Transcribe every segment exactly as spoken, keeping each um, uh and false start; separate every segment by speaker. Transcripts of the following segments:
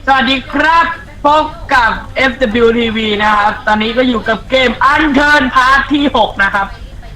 Speaker 1: สวัสดีครับพบกับ เอฟ ดับเบิลยู ที วี นะครับตอนนี้ก็อยู่กับเกม Unturn พาร์ทที่หกนะครับ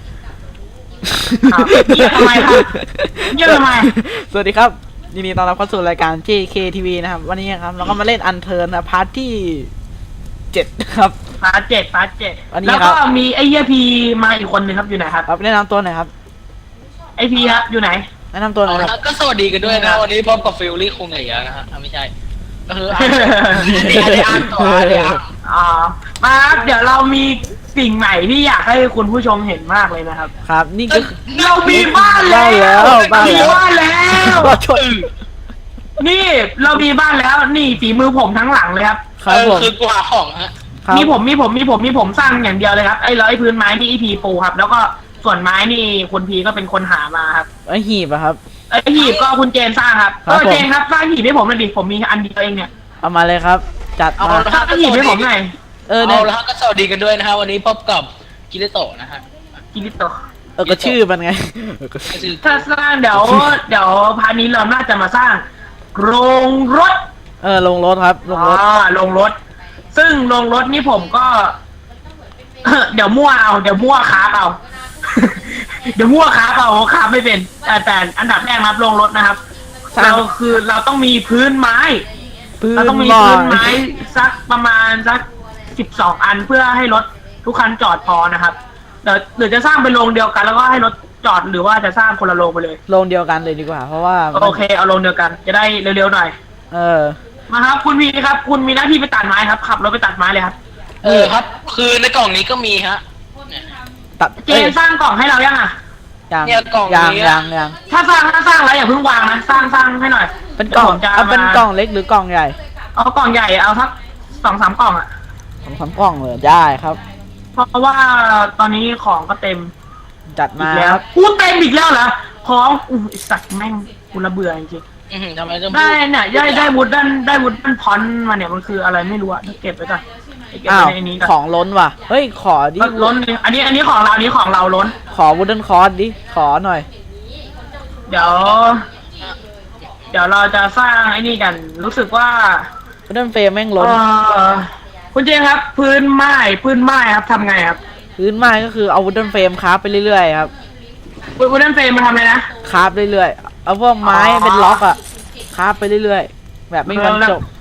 Speaker 1: เยี่ยมทำไมครับเยี่ยมทำไม
Speaker 2: สวัสดีครับยินดีต้อนรับเข้าสู่รายการ เจ เค ที วี นะครับวันนี้ครับเราก็มาเล่น Unturn นะพาร์ทที่เจ็ดครับ
Speaker 1: พาร์ทเจ็ดพาร์ทเจ็ด
Speaker 2: วันนี้
Speaker 1: แล้วก็มีไอเฮียพีมาอีกคนนึงครับอยู่ไหนครับ
Speaker 2: ครับแนะนำตัวหน่อยครับ
Speaker 1: ไอพีครับอยู่ไหน
Speaker 2: แนะนำตัวหน่อยครับ
Speaker 3: ก็สวัสดีกันด้วยนะวันนี้พบกับฟิลลี่คงเหนื่อยนะฮะไม่ใช่ก็คืออ่านต่อเลยอ่ะ
Speaker 1: อ๋อมาครับเดี๋ยวเรามีสิ่งใหม่ที่อยากให้คุณผู้ชมเห็นมากเลยนะครับ
Speaker 2: ครับนี่ก็
Speaker 1: เรามีบ้านแล้วมีบ้านแล้วนี่เรามีบ้านแล้วนี่ฝีมือผมทั้งหลังเลยครับ
Speaker 2: ครับผม
Speaker 3: คือกว่าของฮะ
Speaker 1: มีผมมีผมมีผมมีผมสร้างอย่างเดียวเลยครับไอ้ร้อยพื้นไม้ที่อีพีปูครับแล้วก็ส่วนไม้นี่คุณพีก็เป็นคนหามาครับ
Speaker 2: ไอหีบอะครับ
Speaker 1: ไอหีบก็คุณเจนสร้างครับเออเจนครับสร้างหีบให้ผมหน่อยดิผมมีอันเดียวเองเนี่ย
Speaker 2: เอามาเลยครับจัดมา
Speaker 1: สร้างหีบให้ผมหน่อย
Speaker 3: เออเอาละก็สวัสดีกันด้วยนะฮะวันนี้พบกับกิริโตะนะฮะ
Speaker 1: กิริโตะ
Speaker 2: เออก็ชื่อมันไง
Speaker 1: ถ้าสร้างเดี๋ยวเดี๋ยวพานี้เราน่าจะมาสร้างโรงรถ
Speaker 2: เออโรงรถครับโรงรถ
Speaker 1: อ่าโรงรถซึ่งโรงรถนี่ผมก็เดี๋ยวมั่วเอาเดี๋ยวมั่วคาบเอาเดี๋ยวมั่วคาบเอาคาบไม่เป็นแต่แต่อันดับแรกนะครับโรงรถนะครับเราคือเราต้องมีพื้นไม้เราต้องมีพื้นไม้สักประมาณสักสิบสองอันเพื่อให้รถทุกคันจอดพอนะครับเดี๋ยวหรือจะสร้างเป็นโรงเดียวกันแล้วก็ให้รถจอดหรือว่าจะสร้างคนละโรงไปเลย
Speaker 2: โรงเดียวกันเลยดีกว่าเพราะว่า
Speaker 1: โอเคเอาโรงเดียวกันจะได้เร็วๆหน่อย
Speaker 2: เออ
Speaker 1: มาครับคุณพีครับคุณมีหน้าที่ไปตัดไม้ครับขับรถไปตัดไม้เลยครับ
Speaker 3: เออครับคือในกล่องนี้ก็มีฮะ
Speaker 2: ตัด
Speaker 1: เจนสร้างกล่องให้เรายังอ่ะ
Speaker 2: ยังยังยังยัง
Speaker 1: ถ้าสร้างถ้าสร้างแล้วอย่าเพิ่งวางนะสร้างสร้างให้หน่อย
Speaker 2: เป็นกล่องเอาเป็นกล่องเล็กหรือกล่องใหญ่
Speaker 1: เอากล่องใหญ่เอาสักสองสามกล่องอ่ะ
Speaker 2: สองสามกล่องเลยได้ครับ
Speaker 1: เพราะว่าตอนนี้ของก็เต็ม
Speaker 2: จัดมา
Speaker 1: แล้วกูเต็มอีกแล้วเหรอของอุ้ยสัตว์แม่งกูระเบื่อจริง
Speaker 3: ทำไม
Speaker 1: ได้เนี่ยได้ได้วุดดันได้วุดดันพอนมาเนี่ยมันคืออะไรไม่รู้อะเก็บไว้ก่อน
Speaker 2: อ้าวของล้นว่ะเฮ้ยขอดิ
Speaker 1: ล้นอันนี้อันนี้ของเราอันนี้ของเราล้น
Speaker 2: ขอวูดเดิลคอร์สดิขอหน่อย
Speaker 1: เดี๋ยวเดี๋ยวเราจะสร้างไอ้นี่กันรู้สึกว่า
Speaker 2: วูดเดิลเฟรมแม่งล้น
Speaker 1: คุณเจนครับพื้นไม้พื้นไม้ครับทำไงครับ
Speaker 2: พื้นไม้ก็คือเอาวูดเดิลเฟรมคราฟไปเรื่อยๆครับ
Speaker 1: วูดเดิลเฟรมมาทำอะไรนะ
Speaker 2: คราฟเรื่อยๆเอาพวกไม้เป็นล็อกอะคราฟไปเรื่อยๆแบบไม่มีวันจบ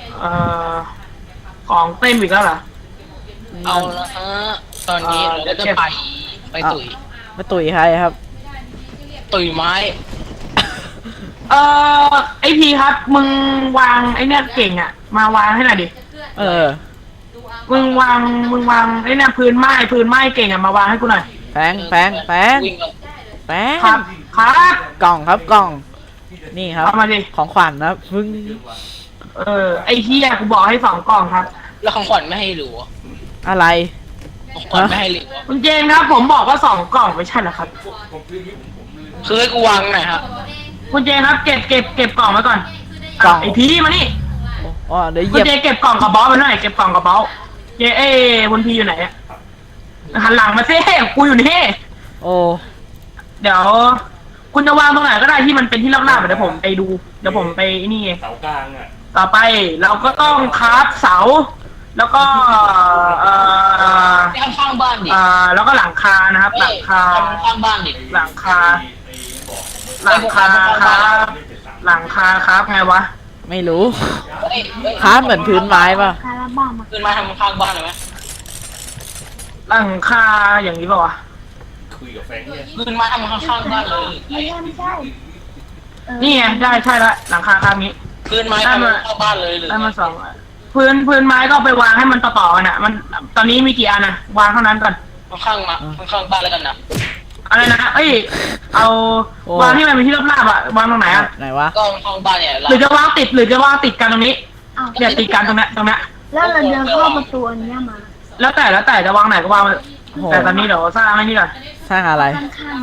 Speaker 1: ของเต็มอีกแล้วเหรอ
Speaker 3: เอาละฮะตอนนี้เราจะไปไปตุ๋ย
Speaker 2: ไปตุ๋ยใครครับ
Speaker 3: ตุ๋ยไม้
Speaker 1: เออไอพีครับมึงวางไอเนี่ยเก่งอ่ะมาวางให้หน่อยดิ
Speaker 2: เออ
Speaker 1: มึงวางมึงวางไอเนี่ยพื้นไม้พื้นไม้เก่งอ่ะมาวางให้กูหน่อย
Speaker 2: แพงแพงแพงแพง
Speaker 1: ครับครับ
Speaker 2: กล่องครับกล่องนี่ครับ
Speaker 1: เอามาดิ
Speaker 2: ของขวัญนะพึ่ง
Speaker 1: เออไอที่แรกกูบอกให้สองกล่องครับ
Speaker 3: แล้วของขวัญไม่ให้หรือ
Speaker 2: อะไร
Speaker 3: ของขวัญไม่ให้หรือ
Speaker 1: คุณเจนครับผมบอกว่าสองกล่องไม่ใช่เหรอครับ
Speaker 3: คือให้กูวางหน่อยครับ
Speaker 1: คุณเจนครับเก็บเก็บเก็บกล่องไว้ก่อนกล่องไอพีมานี่
Speaker 2: อ๋อเดี๋ยว
Speaker 1: คุณเจเก็บกล่องกับบอสมาหน่อยเก็บกล่องกับบอสเจเอ้คุณพีอยู่ไหนอ่ะหันหลังมาซิกูอยู่นี่
Speaker 2: โอ้
Speaker 1: เดี๋ยวคุณจะวางตรงไหนก็ได้ที่มันเป็นที่ราบๆเดี๋ยวผมไปดูเดี๋ยวผมไปนี่
Speaker 4: เสากลางอ่ะ
Speaker 1: ต่อไปเราก็ต้องคราฟเสาแล้วก็เอ่อ
Speaker 3: ข้างบ้านดิ
Speaker 1: อ่าแล้วก็หลังคานะครับหลังคา
Speaker 3: ข้างบ้านดิ
Speaker 1: หลังคาหลังคาครับหลังคาครับไงวะ
Speaker 2: ไม่รู้คราฟเหมือนพื้นไม้ป่ะ
Speaker 3: พื้นไม้ทำข้างบ้านเลยไหม
Speaker 1: หลังคาอย่างนี้ป่ะวะ
Speaker 4: คุยกับแฟนเนี่ย
Speaker 3: พื้นไม้ทำข้างบ้านเลย
Speaker 1: ไม่ใช่นี่ไงได้ใช่ละหลังคาครับนี้
Speaker 3: พื้นไม้ทำเข้าบ้านเลย
Speaker 1: ได้มาสองพื้นพื้นไม้ก็ไปวางให้มันต่อๆกันอ่ะมันตอนนี้มีกี่อันนะวางเท่านั้นก่อน
Speaker 3: ข้างมาข้างบ้านแล้วกันนะ
Speaker 1: อะไรนะเอ้ยเอาวางให้มันเป็นที่ราบๆอ่ะวางตรงไหนอ่ะ
Speaker 2: ไหนวะ
Speaker 3: ก็ข้างบ้านเนี่ย
Speaker 1: หรือจะวางติดหรือจะวางติดกันตรงนี้เนี่ยติดกันตรงนี้ตรงนี้
Speaker 5: แล้วเราเดินเข้าประตูอันนี้มา
Speaker 1: แล้วแต่แล้วแต่จะวางไหนก็วางแต่ตอนนี้เดี๋ยวสร้างไอ้นี่ก่อน
Speaker 2: สร้างอะไร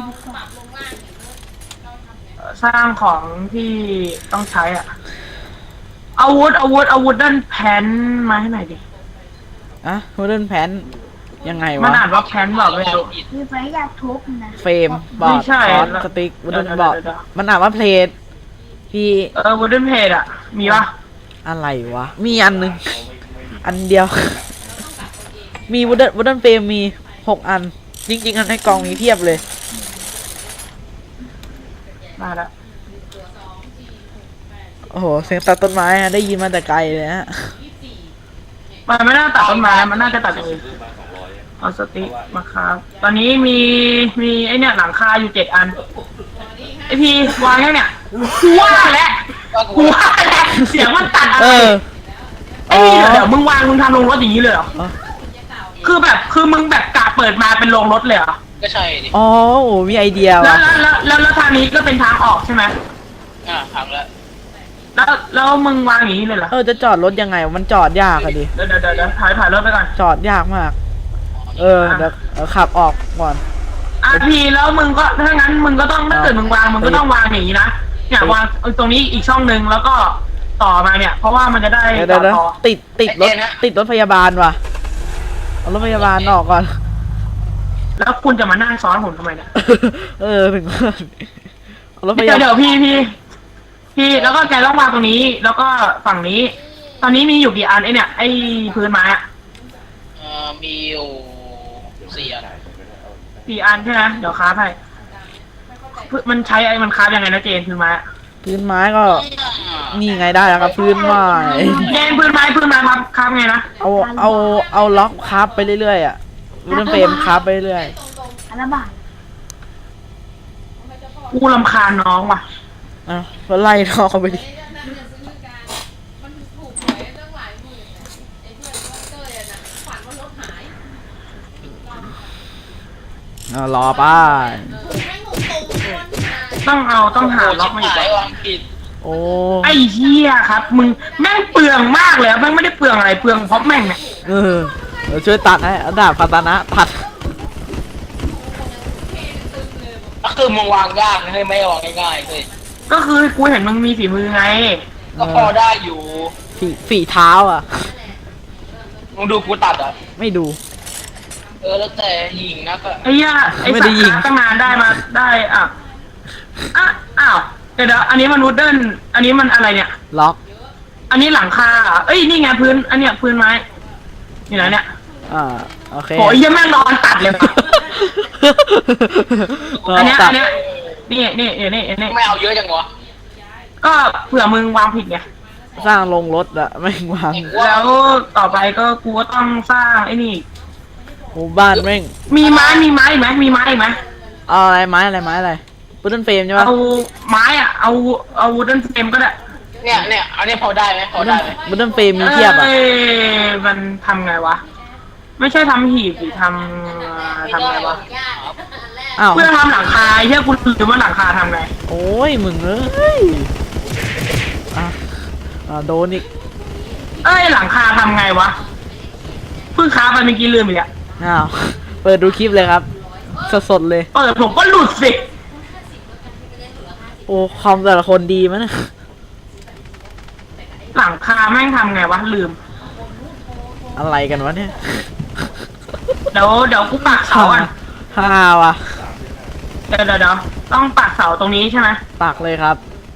Speaker 1: สร้างของที่ต้องใช้อ่ะอาวุธอาวุธอาวุธด้านแผ่นมาให้หน่อยดิ
Speaker 2: อะอาวุธด้านแผ่นยังไงวะ
Speaker 1: มันอ่านว่าแผ่นบอกไม่รู้
Speaker 5: มีไฟอยากทุบนะ
Speaker 2: เฟรมบอร์ดคอร์สสติ๊กอาวุธด้านบอร์ดมันอ่านว่าเพลทพี่
Speaker 1: เอออาวุธด้านเพลทอ่ะมีปะ
Speaker 2: อะไรวะ มีอันหนึ่งอันเดียว มีวูดเดิลวูดเดิลเฟรมมีหกอัน จริงๆอันในกล่องมีเพียบเลย
Speaker 1: มาแล้ว
Speaker 2: โอ้โหเสียงตัดต้นไม้อะได้ยินมาแต่ไกลเลยฮะ
Speaker 1: มันไม่น่าตัดต้นไม้มันน่าจะตัดเอง
Speaker 4: ซื้อมาสองร้อยอะ
Speaker 1: เอาสติ๊กมาครับตอนนี้มีมีไอเนี่ยหลังคาอยู่เจ็ดอันไอพีวางยังเนี่ยกูว่าแล้วกูว่าแล้วเสียงมันตัดอะไร
Speaker 2: เออ
Speaker 1: ไอ้นี่เดี๋ยวมึงวางมึงทำโรงรถอย่างนี้เลยเหรอ
Speaker 2: อ๋อ
Speaker 1: คือแบบคือมึงแบบกะเปิดมาเป็นโรงรถเลยเหรอ
Speaker 3: ก็ใช่ดิ
Speaker 2: อ๋อโอ้มีไอเดีย
Speaker 1: แล้ว
Speaker 2: ว่ะ
Speaker 1: แล้วแล้วแล้วแล้วทางนี้ก็เป็นทางออกใช่ไหม
Speaker 3: อ่าพังแล้ว
Speaker 1: แล้วแล้วมึงวางอย่างนี้เลยเหรอ
Speaker 2: เออจะจอดรถยังไงวะมันจอดยากอะดิ
Speaker 1: เดี๋ยวเดี๋ยวเดี๋ยวเดี๋ยวถ่ายถ่ายรถไปก่อน
Speaker 2: จอดยากมาก เออเดี๋ยวเดี๋ยวขับออกก่อน
Speaker 1: อ่ะพีแล้วมึงก็ถ้างั้นมึงก็ต้องถ้าเกิดมึงวางมึงก็ต้องวางอย่างนี้นะเนี่ยวางตรงนี้อีกช่องหนึ่งแล้วก็ต่อมาเนี่ย เพราะว่ามันจะได้
Speaker 2: เดี๋ยวเดี๋ยวเดี๋ยว
Speaker 1: ต่อ
Speaker 2: ติดติดรถติดรถพยาบาลว่ะเอารถพยาบาลออกก่อน
Speaker 1: แล้วคุณจะมานั่งซ้อนผมทำไมเนี่ย
Speaker 2: เออถึงว่าเอารถพ
Speaker 1: เดี๋ย
Speaker 2: ยาว บา
Speaker 1: เดี๋
Speaker 2: ล
Speaker 1: ยวพี่พี่พี่แล้วก็แกต้องวางตรงนี้ แล้วก็ฝั่งนี้ ตอนนี้มีอยู่กี่อันไอเนี่ยไอพื้นไม้อะ
Speaker 3: เอ่อมีอยู่สี่อัน
Speaker 1: สี่อันใช่ไหมเดี๋ยวค้าให้มันใช้ไอ้มันค้ายังไงนะเจนพื้นไม้อะ
Speaker 2: พื้นไม้ก็นี่ไงได้แล้วครับพื้นไม้
Speaker 1: เจนพื้นไม้พื้นไม้ครับค้าไงนะ
Speaker 2: เอาเอาเอาล็อกคราฟไปเรื่อยๆอ่ะวูดเดิลเฟรมคราฟไปเรื่อย
Speaker 5: อันละบาท
Speaker 1: กูรำคาญน้องว่ะ
Speaker 2: ๆอ่ะก็ไล่ทอเขาไปดิอ่ะรอไป้า
Speaker 1: ต้องเอาต้องหาล็อกมาอีก
Speaker 3: โชิบหา
Speaker 1: ก่อน
Speaker 3: ยวางผิด
Speaker 2: โอ้
Speaker 1: ไอ้เหี้ยครับ มึงแม่งเปลืองมากเลยอะแม่งไม่ได้เปลืองอะไรเปลืองเพราะแม่งเนี่ย
Speaker 2: เออเดี๋ยวช่วยตัดให้เอาดาบคาตานะตัด
Speaker 3: ก็คือมึงวางยากนะเฮ้ยไม่ได้วางง่ายๆเลย
Speaker 1: ก็คือกูเห็นมึงมีฝีมือไง
Speaker 3: ก็พอได้อยู่
Speaker 2: ฝีฝีเท้าอ่ะ
Speaker 3: มึงดูกูตัดอ่ะ
Speaker 2: ไม่ดู
Speaker 3: เออแล้วแต่หญิงนะก็
Speaker 1: ไอ้เหี้ยไอ้
Speaker 2: ไม่
Speaker 1: สั
Speaker 2: ได้
Speaker 1: ตว์
Speaker 2: ยิง
Speaker 1: ตั้งนานได้มาได้อ่ะอ่ะอ้าวเดี๋ยวเดี๋ยวอันนี้มันนูดเดิลอันนี้มันอะไรเนี่ย
Speaker 2: ล็อก
Speaker 1: อันนี้หลังคาเหรอเอ้ยนี่ไงพื้น อันเนี้ยพื้นไม้อยู่ไหนเนี่ย
Speaker 2: อ่าโอเค
Speaker 1: โหเหี้ยแม่งนอนตัดเลยว่ะ
Speaker 2: ล็
Speaker 1: อั
Speaker 2: อน ก
Speaker 1: เนี้ย
Speaker 2: ตั
Speaker 1: อั
Speaker 2: ด
Speaker 1: นเนี้ยนี่นี่นี่นี่นี่
Speaker 3: ไม่เอาเยอะจังวะ
Speaker 1: ก็เผื่อมึงวางผิดไง
Speaker 2: สร้างลงรถอะไม่งวาง
Speaker 1: แล้วต่อไปก็กูก็ต้องสร้างไอ้นี่
Speaker 2: หมู่บ้านแม่ง
Speaker 1: มีไม้มีไม้อีกไหมมีไม้อีกไหม
Speaker 2: เอาอะไรไม้อะไรไม้อะไรวูดเดิลเฟรมใช่ปะ
Speaker 1: เอาไม้อะเอาเอาวูดเดิลเฟรมก็ได้
Speaker 3: เนี่ยเนี่ยอันนี้พอได้ไหมพอได้ไหม
Speaker 2: วูดเดิลเฟรมมีเทียบอะ
Speaker 1: อ้มันทำไงวะ ไม่ใช่ทำหีบหรือทำทำไงวะ
Speaker 2: อ้าว
Speaker 1: เพื่อทำหลังคาเฮียคุณลืมว่าหลังคาทำไง
Speaker 2: โอ้ยมึงเอ้ยอ่ะอ่ะโดนอีก
Speaker 1: เอ้ยหลังคาทำไงวะเพิ่งค้าไปเมื่อกี้ลืมอีกอะ
Speaker 2: อ้าวเปิดดูคลิปเลยครับสดๆเลย
Speaker 1: เปิดผมก็หลุดสิ
Speaker 2: โอ้คอมแต่ละคนดีมั้ยนะ
Speaker 1: หลังคาแม่งทำไงวะลืม
Speaker 2: อะไรกันวะเนี่ย
Speaker 1: เดี๋ยวเดี๋ยวกูปักเสาอ่ะ
Speaker 2: ฮ่าว่ะ
Speaker 1: เดี๋ยวเดี๋ยวเดี๋ยวต้องปักเสาตรงนี้ใช่ไหม
Speaker 2: ปักเลยครับ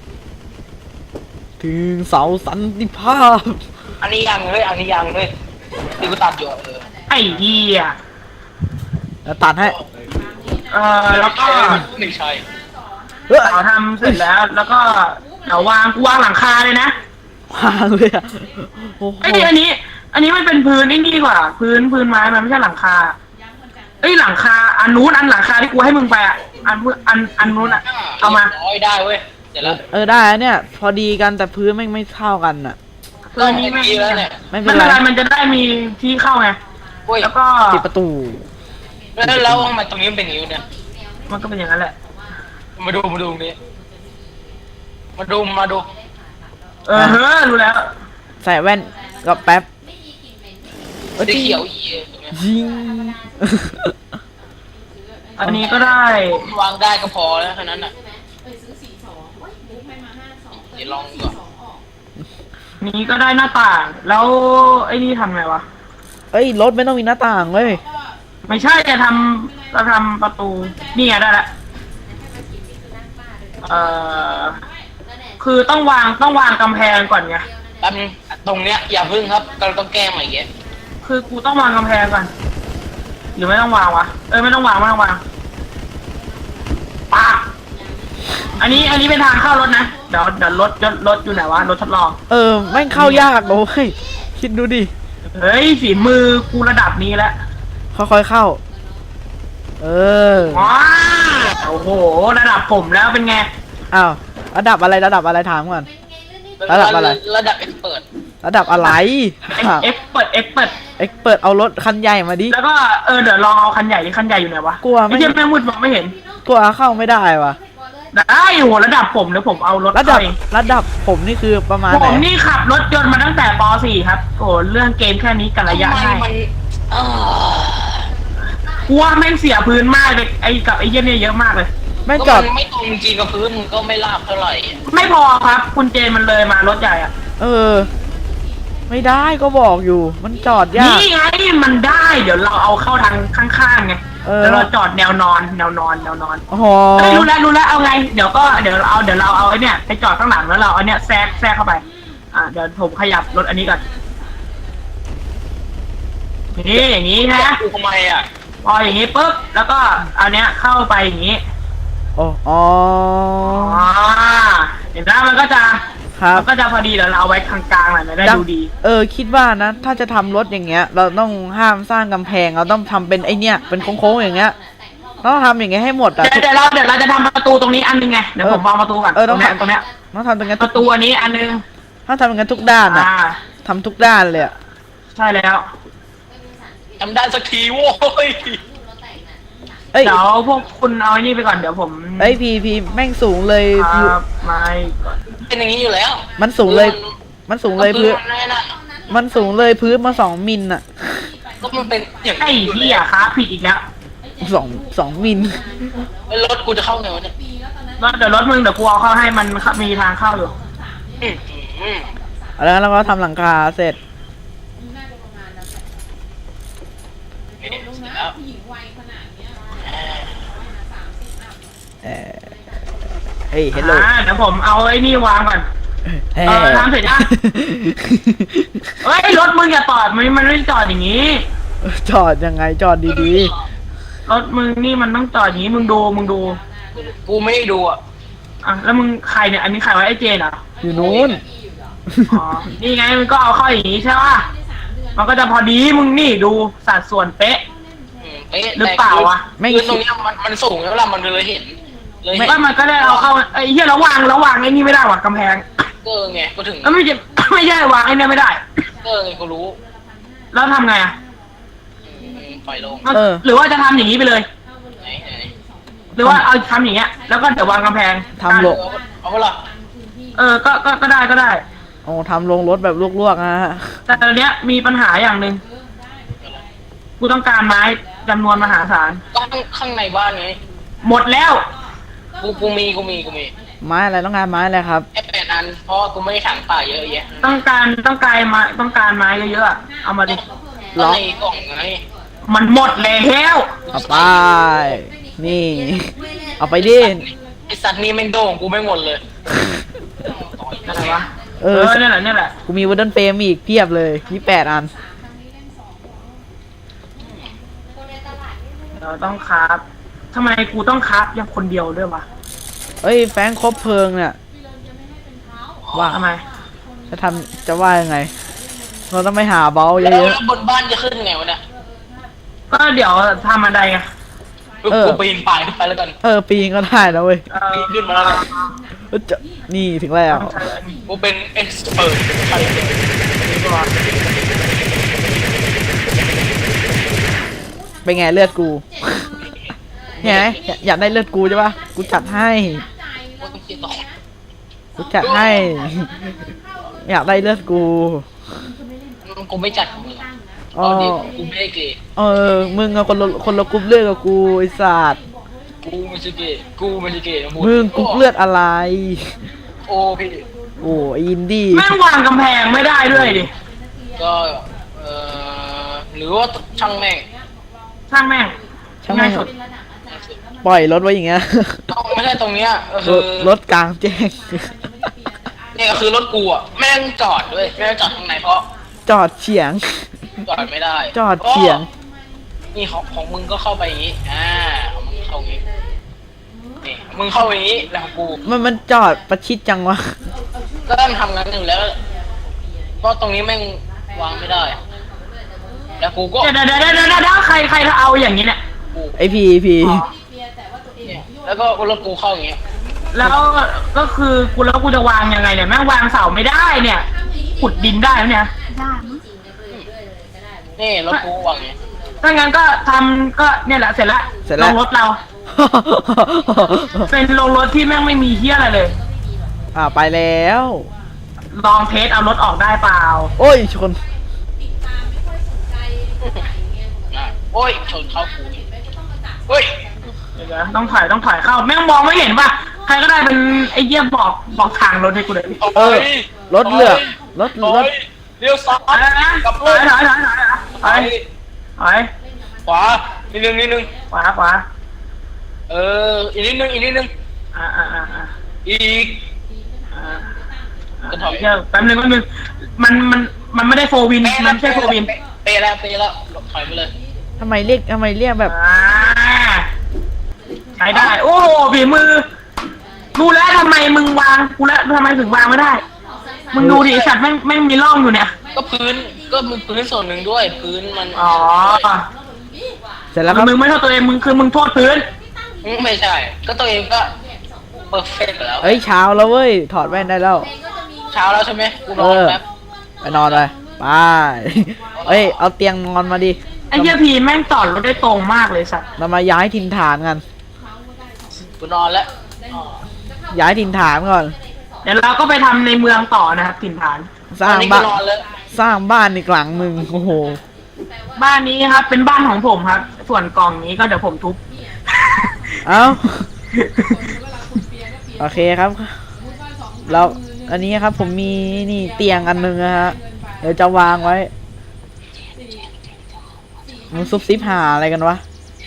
Speaker 2: ถึงเสาสันติภาพ
Speaker 3: อันนี้ยังเลยอันนี้ยังเลยที่กูตัดอยู่อะเออ
Speaker 1: ไอ้เหี้ย
Speaker 2: แล้วตัดให้
Speaker 1: เออแล้วก็
Speaker 3: ไม่ใช่
Speaker 2: เฮ้ย
Speaker 1: เสาทำเสร็จแล้ว แล้วก็เดี๋ยววางกูวางหลังคาเลยนะ
Speaker 2: วางเลยอะโอ้โห
Speaker 1: ไอ้ยอันนี้ อันนี้มันเป็นพื้นไอ้นี่กว่า พื้นพื้นไม้มันไม่ใช่หลังคาเอ้ยหลังคาอันนู้นอันหลังคาที่กูให้มึงไปอ่ะอันอันอันนู้นอ่ะเอามา
Speaker 3: ร้อยได้เว้ยเดี๋ยวละ
Speaker 2: เออได้นะเนี่ย พอดีกันแต่พื้นไม่งไม่เท่ากันอะ
Speaker 1: เออนี่
Speaker 3: ไม่
Speaker 1: ไม่
Speaker 3: ดีแล้วเนี่ย
Speaker 2: ไม่เป็
Speaker 1: ไม่
Speaker 2: น
Speaker 1: เป็น
Speaker 2: ไร
Speaker 1: ไรมันจะได้มีที่เข้าไง
Speaker 3: เว้ย
Speaker 1: แล้วก็
Speaker 2: ปิดประตู
Speaker 3: แล้วแล้วทำไมตรงนี้มันเป็นอย่างนี้เนี่ย
Speaker 1: มันก็เป็นอย่างนั้นแหละ
Speaker 3: มาดูมาดูตรงนี้มาดูมาดู
Speaker 1: เออเฮ้อรู้แล้ว
Speaker 2: ใส่แว่นกับแป๊บเออ
Speaker 3: สี
Speaker 2: จริง
Speaker 3: เขียวอีตรงเนี้ย
Speaker 2: ยิง
Speaker 1: อันนี้ก็ได้
Speaker 3: วางได้ก็พอแล้วแค่นั้นน่ะเดี๋ยวลองดูก่อน
Speaker 1: นี้ก็ได้หน้าต่าง แล้วไอ้นี่ทำไงวะ
Speaker 2: เอ้ยรถไม่ต้องมีหน้าต่างเลย
Speaker 1: ไม่ใช่จะทำจะทำประตูนี่ไงได้ละเอ่อคือต้องวางต้องวางกำแพงก่อนไง
Speaker 3: แป๊บนึงตรงเนี้ยอย่าพึ่งครับเราต้องแก้ใหม่เงี้ย
Speaker 1: คือกูต้องวางกำแพงก่อนหรือไม่ต้องวางวะเออไม่ต้องวางไม่ต้องวางปากอันนี้อันนี้เป็นทางเข้ารถนะเดี๋ยวเดี๋ยวรถรถรถอยู่ไหนวะรถทดลอง
Speaker 2: เออแม่งเข้ายากโอ้ยคิดดูดิ
Speaker 1: เฮ้ยฝีมือกูระดับนี้แล้ว
Speaker 2: ค่อยๆเข้า เออ
Speaker 1: ว้าโอ้โหระดับผมแล้วเป็นไง
Speaker 2: อ้าวระดับอะไรระดับอะไรถามก่อน ระดับอะไร
Speaker 3: ระดับเอ็กเปิด
Speaker 2: ระดับอะไร
Speaker 1: เอ็กเปิดเอ็กเปิด
Speaker 2: เอ็กเปิดเอารถคันใหญ่มาดิ
Speaker 1: แล้วก็เออเดี๋ยวลองเอาคันใหญ่ดิคันใหญ่อยู่ไหนวะ
Speaker 2: กลัวไม่
Speaker 1: ไม่ใช่แม่งมืดมองไม่เห็น
Speaker 2: กลัวเข้าไม่ได้วะ
Speaker 1: ได้โหระดับผมเดี๋ยวผมเอารถ
Speaker 2: ระดับ
Speaker 1: เข้าเอง
Speaker 2: ระดับผมนี่คือประมาณ
Speaker 1: ผ
Speaker 2: ไหน
Speaker 1: มนี่ขับรถยนต์มาตั้งแต่ป .สี่ ครับโอ้เรื่องเกมแค่นี้กันระยะ
Speaker 3: ทำไม
Speaker 1: ให้
Speaker 3: มันเออก
Speaker 1: ลัวแม่งเสียพื้นมากเลยไอ้กับไอ้เหี้ยเนี่ยเยอะมากเลย
Speaker 2: แม่งจ
Speaker 3: ก็
Speaker 2: อด
Speaker 3: มันไม่ตรงจริงกับพื้นมันก็ไม่ราบเท่าไหร่
Speaker 1: ไม่พอครับ คุณเจนมันเลยมารถใหญ่อะ
Speaker 2: เออ ไม่ได้ก็บอกอยู่ มันจอดยาก
Speaker 1: นี่ไงมันได้ เดี๋ยวเราเอาเข้าทางข้างๆไง
Speaker 2: เออ
Speaker 1: เดี๋ยวเราจอดแนวนอนแนวนอนแนวนอน
Speaker 2: โอ้โห
Speaker 1: เอ้ยรู้แล้วรู้แล้วเอาไงเดี๋ยวก็เดี๋ยวเราเอาเดี๋ยวเราเอาไอ้เนี่ยไปจอดข้างหลังแล้วเราเอาเนี่ยแทรกแทรกเข้าไปอ่าเดี๋ยวผมขยับรถอันนี้ก่อนนี่อย่างนี้นะ
Speaker 3: กูทำไมอ่ะ
Speaker 1: พออย่างนี้ปุ๊บแล้วก็เอาเนี้ยเข้าไปอย่างนี้
Speaker 2: โอ้อ๋อ
Speaker 1: อ๋อเห็นไหมมันก็จะ
Speaker 2: ครับ
Speaker 1: มันก็จะพอดีเดี๋ยวเราเอาไว้กลางๆหน่อยมันได้ดูดี
Speaker 2: เออคิดว่านะ ถ้าจะทำรถอย่างเงี้ย เราต้องห้ามสร้างกำแพงเราต้องทำเป็นไอเนี้ยเป็นโค้งๆอย่างเงี้ยต้องทำอย่างเงี้ยให้หมดอะ
Speaker 1: เดี๋ยวเดี๋ยวเราเดี๋ยวเราจะทำประตูตรงนี้อันนึงไงเดี๋ยวผมวางประตูก่อน
Speaker 2: เออ
Speaker 1: ต
Speaker 2: ต้
Speaker 1: ร
Speaker 2: อง
Speaker 1: งเนี้ย
Speaker 2: ทำ
Speaker 1: ตรงเนี้ย
Speaker 2: ต้องทำตรงนั้น
Speaker 1: ป
Speaker 2: ทุก
Speaker 1: ระตูอันนี้อันนึง
Speaker 2: ต้องทำอย่างนั้นทุกด้านอะ
Speaker 1: อ่า
Speaker 2: ทำทุกด้านเลยอะ
Speaker 1: ใช่แล้ว
Speaker 3: ทำได้สักทีโว้ย
Speaker 2: เอ้ย
Speaker 1: เดี๋ยวพวกคุณเอาไอ้นี่ไปก่อนเดี๋ยวผม
Speaker 2: เอ้ยพีพีแม่งสูงเลย
Speaker 1: ค
Speaker 2: พี
Speaker 1: รับไม่ก่อน
Speaker 3: เป็นอย่างนี้อยู่แล้ว
Speaker 2: มันสูงเลย มันสูงเลยพื้น
Speaker 3: มันนั่นน่ะ
Speaker 2: มันสูงเลยพื้นมาสองมิลอะ
Speaker 3: ก็มันเป็นอย่าง
Speaker 1: ไอ้เหี้ยครับผิดอีกแล้ว
Speaker 2: สองสองมิล
Speaker 3: รถกูจะเข้าไงวะเนี่ย
Speaker 1: รถเดี๋ยวรถมึงเดี๋ยวกูเอาเข้าให้มันมีทางเข้าอยู่
Speaker 3: อืมอืม
Speaker 2: แล้วเราก็ทำหลังคาเสร็จ
Speaker 3: เสร็จแล้ว
Speaker 2: เออเฮ้ยเฮลโล
Speaker 1: อ่าเดี๋ยวผมเอาไอ้นี่วางก่อน เออทำเสร็จยัง เฮ้ยรถมึงอย่าจอดมันมันไม่จอดอย่างนี้
Speaker 2: จอดยังไงจอดดี
Speaker 1: รถมึงนี่มันต้องจอดอย่างนี้มึงดูมึงดู
Speaker 3: กูไม่ได้ดูอ่ะ
Speaker 1: อ่ะแล้วมึงใครเนี่ยอันนี้ใครวะไอ้เจนเหรอ
Speaker 2: ๆ อยู่นู้น
Speaker 1: อ๋อนี่ไงมันก็เอาเข้าอย่างนี้ใช่ป่ะมันก็จะพอดีมึงนี่ดูสัดส่วนเป๊ะ
Speaker 3: อืมเป๊ะ
Speaker 1: หรือเปล่าวะ
Speaker 2: ไม่
Speaker 3: คือตรงเนี้ยมันมันสูงแล้วล่ะมันเลยเห็น เลยเห็น
Speaker 1: ก็มันก็ได้เอาเข้าไอ้เหี้ยแล้ววางแล้ววางไอ้นี่ไม่ได้ว่ะกำแพง
Speaker 3: เกอร์ไงก็ถึง
Speaker 1: แล้วไม่ใช่ไม่ใช่วางไอ้นี่ไม่ได้
Speaker 3: เกอร์ไงกูรู้
Speaker 1: แล้วทำไงอ่ะ
Speaker 3: อืมปล่อยลง
Speaker 2: เออ
Speaker 1: หรือว่าจะทำอย่างนี้ไปเลย
Speaker 3: ไหนไหน
Speaker 1: หรือว่าเอาทำอย่างเงี้ยแล้วก็เดี๋ยววางกำแพง
Speaker 2: ทำโล
Speaker 3: เอาเอาเปะล่า
Speaker 1: เออก็ก็ก็ได้ก็ได้
Speaker 2: โอ้ทำลงรถแบบลวกๆนะฮะ
Speaker 1: แต่ตอนเนี้ยมีปัญหาอย่างหนึ่งกูต้องการไม้จำนวนมหาศาล
Speaker 3: ก็ข้างข้างในบ้านไง
Speaker 1: หมดแล้ว
Speaker 3: กูกูมีกูมีกูมี
Speaker 2: ไม้อะไรต้องการไม้อะไรครับ
Speaker 3: แค่แปดอันเพราะว่ากูไม่ได้ถังป่าเยอะแยะ
Speaker 1: ต้องการต้องการไม้ต้องการไม้เยอะๆอะเอามาดิ
Speaker 3: ก็ในกล่องไง
Speaker 1: มันหมดแล้ว
Speaker 2: เอาไป นี่ เอาไปดิ
Speaker 3: ไอสัตว์นี่แม่งโด่งกูไม่หมดเลย
Speaker 1: อะไรวะ
Speaker 2: เอ
Speaker 1: เอ
Speaker 2: อ
Speaker 1: อเนี่ยแหละเนี่ยแหละ
Speaker 2: กูมีวูดเดิลเฟรมอีกเพียบเลยยี่แปดอัน
Speaker 1: เราต้องคราฟทำไมกูต้องคราฟอย่างคนเดียวด้วยวะ
Speaker 2: เอ้ยแฟงครบเพลิงเนี่ย ว่า
Speaker 1: ทำไม
Speaker 2: จะทำจะว่ายังไง เราต้องไปหาเบลเย
Speaker 3: แล้ว
Speaker 2: อะ
Speaker 3: บนบ้านจะขึ้นไงวะเนี่ย
Speaker 1: ก็เดี๋ยวทำอะไรไง
Speaker 3: กูกูปีนป่ายขึ้นไปแล้วกัน
Speaker 2: ๆ เออปีนก็ได้นะเว้ย
Speaker 1: เออ
Speaker 3: ปีนขึ้นมาแล้วกัน
Speaker 2: เอ้ยจะนี่ถึงแล้ว
Speaker 1: ต้องใช้อันนี้
Speaker 3: กูเป็นเอ็กซ์เปิดไปเลย
Speaker 1: ก่อน
Speaker 2: เป็นไงเลือดกูไงอยากอยากได้เลือดกูใช่ปะกูจัดให้
Speaker 3: กูต้องคิดต่อ
Speaker 2: กูจัดให้ อยากได้เลือดกู
Speaker 3: กูไม่จัดมึง
Speaker 2: อ๋อ
Speaker 3: เอาดิกูไม่ได้เกย์
Speaker 2: เออ มึงอะคนละคนละกรุ๊ปเลือดกับกูไอ้สัตว์
Speaker 3: กูไม่ใช่เกย์กูไม่ใช่เกย์นะ
Speaker 2: มึงกรุ๊ปเลือดอะไร
Speaker 3: โอ้พี่
Speaker 2: โอ้ไอ้อินดี้
Speaker 1: แม่งวางกำแพงไม่ได้ด้วยดิ
Speaker 3: ก็เอ่อหรือว่าช่างแม่ง
Speaker 1: ช่างแม่ง
Speaker 2: ช่าง
Speaker 1: ง่า
Speaker 2: แม่
Speaker 1: ย
Speaker 2: ง
Speaker 1: สุด
Speaker 2: ปล่อยรถไว้อย่างเงี้ย
Speaker 3: ต้องไม่ใช่ตรงเนี้ยก็
Speaker 2: ร
Speaker 3: คือ
Speaker 2: ถรถกลางแจ้ง
Speaker 3: นี่ก็คือรถกูอ่ะแม่งจอดด้วยแม่งจอดข้างในเพราะ
Speaker 2: จอดเฉียง
Speaker 3: จอดไม่ได้
Speaker 2: จอดเฉียง
Speaker 3: นี่ของของมึงก็เข้าไปอย่างนี้อ่าของมึงเข้าอย่างนี้นี่มึงเข้าอย่างนี้แล้วของกู
Speaker 2: มันมันจอดประชิดจังวะ
Speaker 3: ก็ต้องทำงานหนึ่งแล้วเพราะตรงนี้แม่งวางไม่ได้ แล้วกูก็
Speaker 1: เดี๋ยวเดี๋ยวเดี๋ยวเดี๋ยวเดี๋ยวใครใครเอาอย่างนี้เนี่ย
Speaker 3: กู
Speaker 2: ไอพีพี
Speaker 1: อ๋อ
Speaker 3: เนี่ยแล้วก็รถกูเข้าอย่างเงี้ย
Speaker 1: แล้วก็คือกูแล้วกูจะวางยังไงเนี่ยแม่งวางเสาไม่ได้เนี่ยขุดดินได้ไหมเนี่ย
Speaker 5: ได้มั้ง
Speaker 3: นี่รถกูวางอย่างเงี้ย
Speaker 1: ถ้างั้นก็ทำก็เนี่ยแหละเสร็จละ
Speaker 2: เสร็จ
Speaker 1: ล
Speaker 2: แล้ว
Speaker 1: งรถเรา เป็นลงรถที่แม่งไม่มีเฮียอะไรเลย
Speaker 2: อ่าไปแล้ว
Speaker 1: ลองเทสเอารถออกได้เปล่า
Speaker 2: โอ้ยชน
Speaker 3: อ่ะโอ้ยชนเข้ากูนี่เฮ้ย
Speaker 1: เดี๋ยวนะต้องถอยต้องถอยเข้าแม่งมองไม่เห็นป่ะใครก็ได้เป็นไอ้เยี่ยบอกบอกทางรถให้กูเลย
Speaker 2: เออ รถเลือกรถ
Speaker 3: ถอ
Speaker 2: รถ
Speaker 3: ยเลี้ยวซ้า
Speaker 1: ถอย
Speaker 3: ย
Speaker 1: นะ
Speaker 3: กลับ
Speaker 1: ถ
Speaker 3: เล
Speaker 1: อย
Speaker 3: ย
Speaker 1: ถอยถอยถอยถอยถอย
Speaker 3: ขวานิดนึงนิดนึง
Speaker 1: ขวาขวา
Speaker 3: เอออีกนิดนึงอีกนิดนึง
Speaker 1: อ่าอ่าอ่าอ่า
Speaker 3: อีก
Speaker 1: อ่า
Speaker 3: ก็ถอย
Speaker 1: เดี๋ยวแป๊บนึงแป๊บนึงมันมันมันไม่ได้โฟวินมันไม่ใช่โฟวิน
Speaker 3: เปย์แล้วเปย์แล้วถอยไปเลย
Speaker 2: ทำไมเรียกทำไมเรียกแบบ
Speaker 1: อ่าใช้ได้ โอ้โหฝีมือรู้แล้วทำไมมึงวางกูแล้วทำไมถึงวางไม่ได้ มึงดูดิไอ้สัตว์แม่งแม่งมีร่องอยู่เนี่ย
Speaker 3: ก็พื้นก็มีพื้นส่วนหนึ่งด้วยพื้นมัน
Speaker 1: อ๋อ
Speaker 2: เสร็จแล้วครับ
Speaker 1: มึงไม่โทษตัวเองมึงคือมึงโทษพื้น
Speaker 3: อืมไม่ใช่ ก็ตัวเองก็เปอร์เฟกต์แล้ว
Speaker 2: เอ้ยเช้าแล้วเว้ย ถอดแว่นได้แล้ว
Speaker 3: เช้าแล้วใช่ไหมกูน
Speaker 2: เอ
Speaker 3: อน
Speaker 2: อ
Speaker 3: แป๊บ
Speaker 2: ไปนอนเลยไปเอ้ย เอาเตียงนอนมาดิ
Speaker 1: ไอ้เหี้ยพีแม่งจอดรถได้ตรงมากเลยสัตว์
Speaker 2: เรามาย้ายถิ่นฐานกัน
Speaker 3: กูนอนแล้ว
Speaker 2: ย้ายถิ่นฐานก่อน
Speaker 1: เดี๋ยวเราก็ไปทำในเมืองต่อนะครับถิ่นฐาน
Speaker 2: ส
Speaker 3: ตอ
Speaker 2: ร้าน ง
Speaker 3: นี้กู
Speaker 2: บ้าน
Speaker 3: นอนแล้ว
Speaker 2: สร้างบ้านอีกหลังหนึ่งโอ้โห
Speaker 1: บ้านนี้ครับ เป็นบ้านของผมครับ ส่วนกล่องนี้ก็เดี๋ยวผมทุบ
Speaker 2: เอ้า โอเคครับ แล้วอันนี้ครับผมมีนี่เตียงอันหนึงนะฮะ เดี๋ยวจะวางไว้มึงซุบซิบหาอะไรกันวะ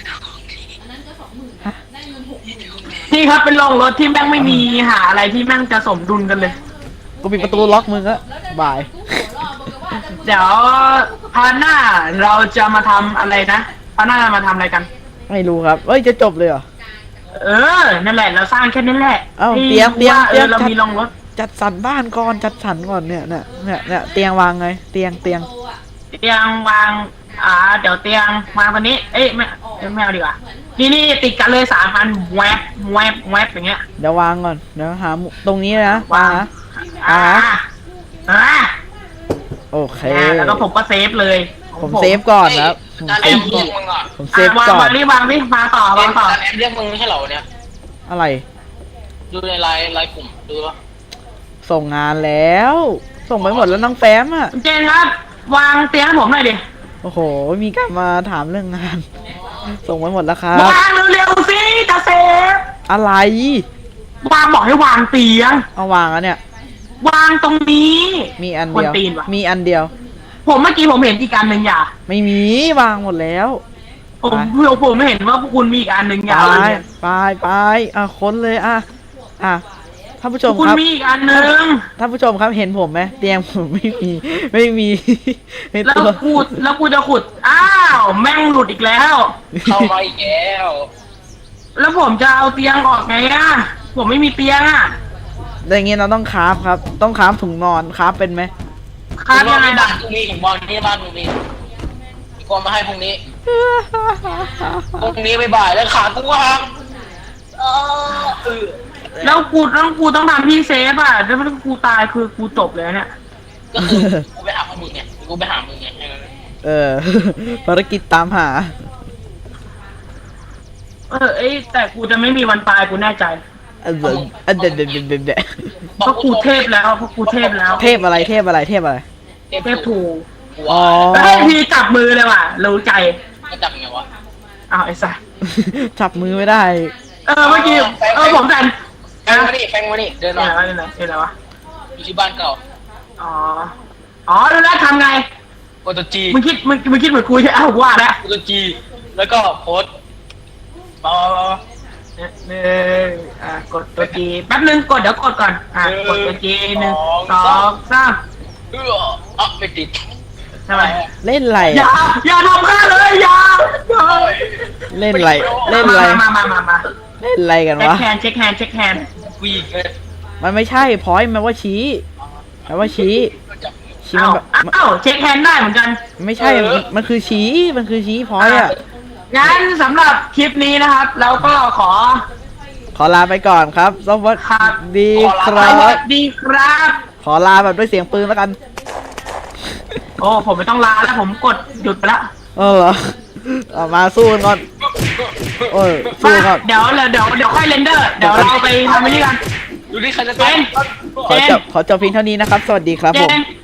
Speaker 1: นี่ครับเป็นโรงรถที่แม่งไม่มีหาอะไรที่แม่งจะสมดุลกันเลย
Speaker 2: กูปิดประตูล็อกมึงอะบาย
Speaker 1: เดี๋ยวพาร์ทหน้าเราจะมาทำอะไรนะพาร์ทหน้ามาทำอะไรกัน
Speaker 2: ไม่รู้ครับ เอ้ย จะจบเลยเหรอ
Speaker 1: เออ นั่นแหละเราสร้างแค่นั้นแหละ
Speaker 2: เอ้า
Speaker 1: ให้
Speaker 2: เตรียม
Speaker 1: รู้ว่า
Speaker 2: เตรียม
Speaker 1: เออเรา
Speaker 2: เตรียม
Speaker 1: มีโรงรถ
Speaker 2: จัดสรรบ้านก่อน จัดสรรก่อนเนี่ยเนี่ยเนี่ยเนี่ยเตียงวางไง เตียงเตียง
Speaker 1: เตียงวาง อ่า เดี๋ยวเตียงวางตรงนี้ เอ้ยไม่ไม่เอาดีกว่า นี่นี่ติดกันเลยสามอันแวบแวบแวบอย่างเงี้ย
Speaker 2: เดี๋ยววางก่อน เดี๋ยวหามุตรงนี้นะวางนะ
Speaker 1: อ่า อ่า
Speaker 2: โอเค
Speaker 1: แล้วก็ผมก็เซฟเลย
Speaker 2: ผมเซฟก่อนนะครับผม
Speaker 3: จาน
Speaker 2: เซ
Speaker 3: แอ
Speaker 2: ฟ
Speaker 3: ม
Speaker 2: ก่
Speaker 3: เรี
Speaker 2: อย น
Speaker 3: กมึงอ่ะ
Speaker 2: ผมเซฟ
Speaker 1: วาง
Speaker 2: ก่อน
Speaker 1: วางนี่วางนี่มาต่อวางต่อ
Speaker 3: จานแอมเรียกมึงไม่ใช่เหรอเนี่ย
Speaker 2: อะไร
Speaker 3: ดูในไลน์ไลน์กลุ่มดูวะ
Speaker 2: ส่งงานแล้ว ส่งไปหมดแล้วน้องแฟ้มอ่ะ
Speaker 1: เจนครับ วางเตียงให้ผมหน่อยดิ
Speaker 2: โอ้โห มีการมาถามเรื่องงาน ส่งไปหมดแล้วครับ
Speaker 1: วางเร็วๆสิจะเซฟ
Speaker 2: อะไร
Speaker 1: วางบอกให้วางเตียง
Speaker 2: เอาวางแล้วเนี่ย
Speaker 1: วางตรงนี้
Speaker 2: มีอันเดียว
Speaker 1: คนตีนว่ะ
Speaker 2: มีอันเดียว
Speaker 1: ผมเมื่อกี้ผมเห็นอีกอันหนึ่งอย่า
Speaker 2: ไม่มี วางหมดแล้ว
Speaker 1: ผม
Speaker 2: ไป
Speaker 1: เพื่อผมไม่เห็นว่าพวกคุณมีอีกอันหนึ่งอย่า
Speaker 2: ไป
Speaker 1: เลยเนี่ย
Speaker 2: ไปไปอ่ะค้นเลยอ่ะอ่ะท่านผู้ชม
Speaker 1: คุณ
Speaker 2: ครับ
Speaker 1: มีอีกอันหนึ่ง
Speaker 2: ท่านผู้ชมครับเห็นผมไหมเตียงผมไม่มี ไม่มีใน
Speaker 1: แล้ว
Speaker 2: ตัว
Speaker 1: กูแล้วกูจะขุด อ้าว แม่งหลุดอีกแล้ว
Speaker 3: เข้ามาอีกแล้ว
Speaker 1: แล้วผมจะเอาเตียงออกไงอ่ะ ผมไม่มีเตียงอ่ะ
Speaker 2: อย่างเงี้ยเราต้องคราฟครับ ต้องคราฟถุงนอนคราฟเป็นไหม
Speaker 1: คาดยังไง
Speaker 3: บ้า
Speaker 1: ล่ะ
Speaker 3: นตรงนี้ของบอลที่บ้านตรงนี้กวนมาให้พรุ่งนี้พรุ่งนี้บ่ายๆแล้วขากูก็หักเออเออ
Speaker 1: แล้วกูต้องกูต้องทำที่เซฟอ่ะแล้วถ้ากูตายคือกูจบเลยเนี่ย
Speaker 3: ก็คือกูไปหาพวกมึงไงกูไปหามึงไงแค่นั้น
Speaker 2: เออ ภารกิจตามหา
Speaker 1: เออเอ้ยแต่กูจะไม่มีวันตายกูแน่ใจ
Speaker 2: อันเดนอันเดนเดนเดนเดนเดน
Speaker 1: เพราะกูเทพแล้วเพราะกูเทพแล้ว
Speaker 2: เทพอะไรเทพอะไรเทพอะไร
Speaker 1: เทพถูก
Speaker 2: อ๋อ
Speaker 1: เฮ้ยพี่จับมือเลยว่ะรู้ใจ
Speaker 3: ก็จับไงวะ
Speaker 1: อ้าวไอ้สัส
Speaker 2: จับมือไม่ได้
Speaker 1: เออเมื่อกี้เออผมแต่
Speaker 3: แฟงมาดิแฟงมาดิเดิน
Speaker 1: เนี่
Speaker 3: มาย
Speaker 1: อะไรเนี่ยอะไรวะ
Speaker 3: อยู่ที่บ้านเก่า
Speaker 1: อ๋ออ๋อรู้แล้วทำไง
Speaker 3: กดตัวจี
Speaker 1: มึงคิดมึงมึงคิดเหมือนกูใช่ไหมอ้าวว่าแล้ว
Speaker 3: กดตัวจีแล้วก็โพสต์ต่อ
Speaker 1: หนึ่งอ่ากดตัวจีแป๊บนึงกดเดี๋ยวกดก่อนอ่ากดตัวจีหนึ่งสองสาม
Speaker 3: เอออ่ะไม่ติด
Speaker 1: ทำไม
Speaker 2: เล่นไร
Speaker 1: อย่า
Speaker 2: อะ
Speaker 1: อย่าทำข้าเลยอย่าอย่า
Speaker 2: เล่นไรเล่นไร
Speaker 1: มามามามา
Speaker 2: เล่นไรกัน
Speaker 1: เช็คว
Speaker 2: ะ
Speaker 1: แฮนด์เช็คแฮนด์เช็คแฮนด์
Speaker 3: วีกเลย
Speaker 2: มันไม่ใช่พอยต์มันว่าชี้มันว่าชี้ชี้
Speaker 1: เอ้า
Speaker 2: มันแบบมัน
Speaker 1: เอ้าเช็คแฮนด์ได้เหมือนกัน
Speaker 2: ไม่ใช่มันมันคือชี้มันคือชี้พอยต์อะ
Speaker 1: งั้นสำหรับคลิปนี้นะครับเราก็ขอ
Speaker 2: ขอลาไปก่อนครับสวัส
Speaker 1: ครับ
Speaker 2: ดีค
Speaker 1: ส
Speaker 2: รั
Speaker 1: วั
Speaker 2: บ
Speaker 1: สดีครับ
Speaker 2: ขอลาแบบด้วยเสียงปืนแล้วกัน
Speaker 1: โอ้ผมไม่ต้องลาแล้วผมกดหยุดไปแล้ว
Speaker 2: เออเหรอเอามาสู้กันก่อนโอ้ยสู้
Speaker 1: มา
Speaker 2: ก่อน
Speaker 1: เดี๋ยวเดี๋ยวเดี๋ยวเดี๋ยวค่อยเรนเดอร์เดี๋ยวเราไปทำอันนี้กัน
Speaker 3: ดูที่ใครจะ
Speaker 1: เจ
Speaker 3: ตาย
Speaker 1: น
Speaker 2: ขอจบขอจบเพียงเท่านี้นะครับ สวัสดีครับ
Speaker 1: เจ
Speaker 2: ผม
Speaker 1: น